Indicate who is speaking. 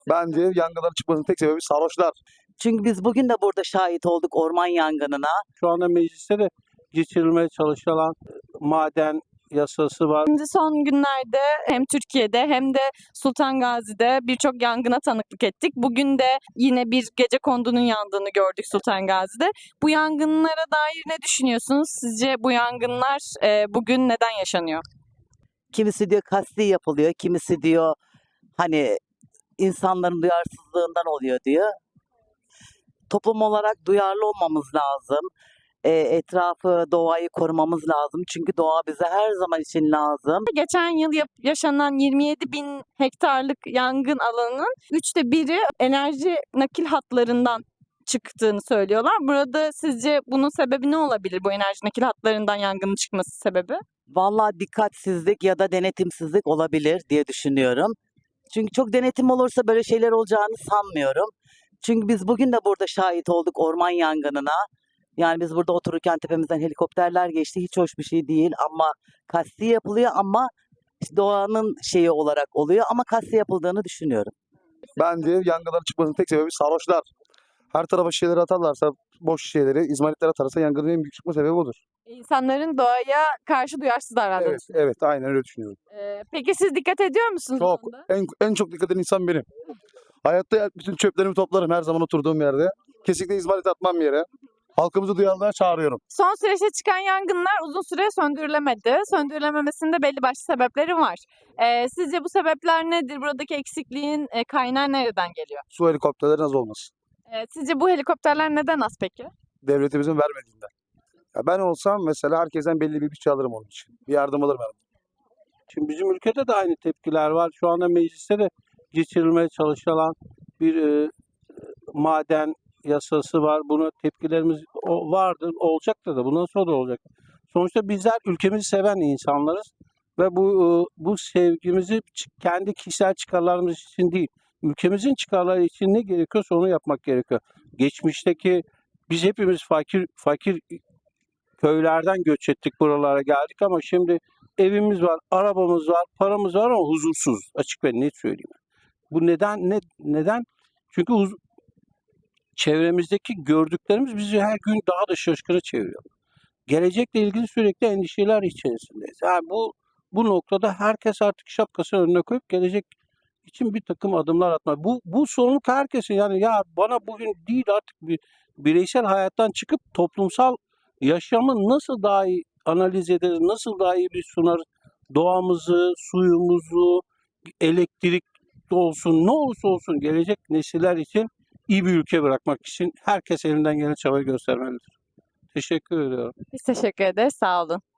Speaker 1: Bence yangınların çıkmasının tek sebebi sarhoşlar.
Speaker 2: Çünkü biz bugün de burada şahit olduk orman yangınına.
Speaker 3: Şu anda mecliste de geçirilmeye çalışılan maden yasası var.
Speaker 4: Şimdi son günlerde hem Türkiye'de hem de Sultan Gazi'de birçok yangına tanıklık ettik. Bugün de yine bir gecekondunun yandığını gördük Sultan Gazi'de. Bu yangınlara dair ne düşünüyorsunuz? Sizce bu yangınlar bugün neden yaşanıyor?
Speaker 2: Kimisi diyor kasti yapılıyor, kimisi diyor hani insanların duyarsızlığından oluyor diyor. Toplum olarak duyarlı olmamız lazım. Etrafı, doğayı korumamız lazım. Çünkü doğa bize her zaman için lazım.
Speaker 4: Geçen yıl yaşanan 27 bin hektarlık yangın alanının 1/3'ü enerji nakil hatlarından çıktığını söylüyorlar. Burada sizce bunun sebebi ne olabilir? Bu enerji nakil hatlarından yangının çıkması sebebi?
Speaker 2: Vallahi dikkatsizlik ya da denetimsizlik olabilir diye düşünüyorum. Çünkü çok denetim olursa böyle şeyler olacağını sanmıyorum. Çünkü biz bugün de burada şahit olduk orman yangınına. Yani biz burada otururken tepemizden helikopterler geçti. Hiç hoş bir şey değil ama kasti yapılıyor ama işte doğanın şeyi olarak oluyor ama kasti yapıldığını düşünüyorum.
Speaker 1: Bence yangınların çıkmasının tek sebebi sarhoşlar. Her tarafa şişeleri atarlarsa, boş şişeleri, izmaritler atarsa yangının en büyük çıkma sebebi odur.
Speaker 4: İnsanların doğaya karşı duyarsız davrandığını
Speaker 1: Evet,
Speaker 4: düşünüyorum.
Speaker 1: evet, aynen öyle düşünüyorum.
Speaker 4: Peki siz dikkat ediyor musunuz?
Speaker 1: Çok.
Speaker 4: bu konuda?
Speaker 1: En çok dikkat eden insan benim. Hayatta bütün çöplerimi toplarım her zaman oturduğum yerde. Kesinlikle izmarit atmam yere. Halkımızı duyarlılığa çağırıyorum.
Speaker 4: Son süreçte çıkan yangınlar uzun süre söndürülemedi. Söndürülememesinin de belli başlı sebepleri var. Sizce bu sebepler nedir? Buradaki eksikliğin kaynağı nereden geliyor?
Speaker 1: Su helikopterlerin az olması.
Speaker 4: Sizce bu helikopterler neden az peki?
Speaker 1: Devletimizin vermediğinden. Ya ben olsam mesela herkesten belli bir bütçe alırım onun için. Bir yardım alırım.
Speaker 3: Şimdi bizim ülkede de aynı tepkiler var. Şu anda mecliste de geçirilmeye çalışılan bir maden yasası var. Buna tepkilerimiz vardı, olacaktır da bundan sonra da olacak. Sonuçta bizler ülkemizi seven insanlarız ve bu sevgimizi kendi kişisel çıkarlarımız için değil, ülkemizin çıkarları için ne gerekiyorsa onu yapmak gerekiyor. Geçmişteki biz hepimiz fakir köylerden göç ettik, buralara geldik ama şimdi evimiz var, arabamız var, paramız var ama huzursuz. Açık ve net söyleyeyim. Bu neden? Çünkü çevremizdeki gördüklerimiz bizi her gün daha da şaşkına çeviriyor. Gelecekle ilgili sürekli endişeler içerisindeyiz. Yani bu noktada herkes artık şapkasını önüne koyup gelecek için bir takım adımlar atmak. Bu sorumluluk herkesin. Yani ya bana bugün değil artık bir bireysel hayattan çıkıp toplumsal yaşamı nasıl daha iyi analiz ederiz, nasıl daha iyi bir sunarız, doğamızı, suyumuzu, elektrik olsun, ne olursa olsun gelecek nesiller için iyi bir ülke bırakmak için herkes elinden gelen çabayı göstermelidir. Teşekkür ediyorum.
Speaker 4: Biz teşekkür ederiz. Sağ olun.